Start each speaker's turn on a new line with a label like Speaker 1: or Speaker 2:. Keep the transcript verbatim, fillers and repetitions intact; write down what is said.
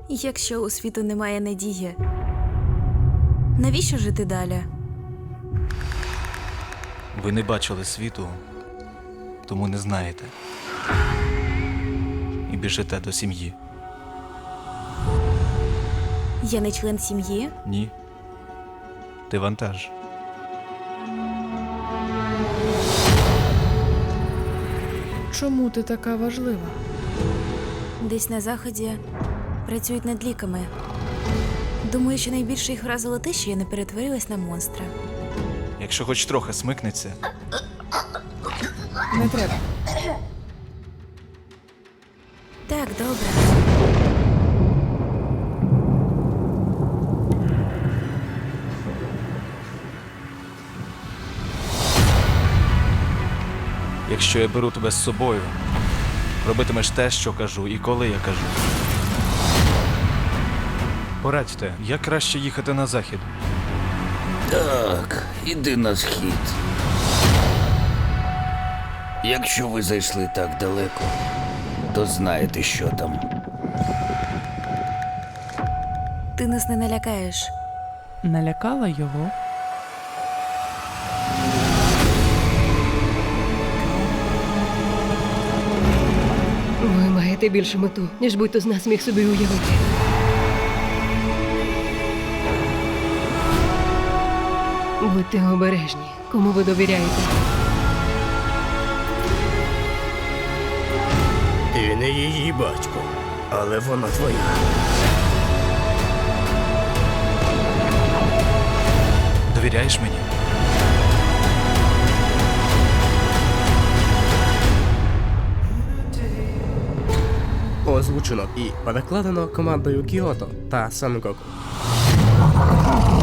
Speaker 1: Якщо у світу немає надії, навіщо жити далі?
Speaker 2: Ви не бачили світу, тому не знаєте. І біжите до сім'ї.
Speaker 1: Я не член сім'ї?
Speaker 2: Ні. Ти вантаж.
Speaker 3: Чому ти така важлива?
Speaker 1: Десь на заході працюють над ліками. Думаю, що найбільше їх вразило те, що я не перетворилась на монстра.
Speaker 2: Якщо хоч трохи смикнеться,
Speaker 3: Не треба.
Speaker 1: Так, добре.
Speaker 2: якщо я беру тебе з собою, робитимеш те, що кажу, і коли я кажу. Порадьте, як краще їхати на захід?
Speaker 4: Так, іди на схід. Якщо ви зайшли так далеко, то знаєте, що там.
Speaker 1: Ти нас не налякаєш.
Speaker 3: Налякала його.
Speaker 5: Ви маєте більшу мету, ніж будь-хто з нас міг собі уявити. Будьте обережні, кому ви довіряєте.
Speaker 6: Ти не її батько, але вона твоя.
Speaker 2: Довіряєш мені?
Speaker 6: Озвучено і перекладено командою Кіото та Сангоку.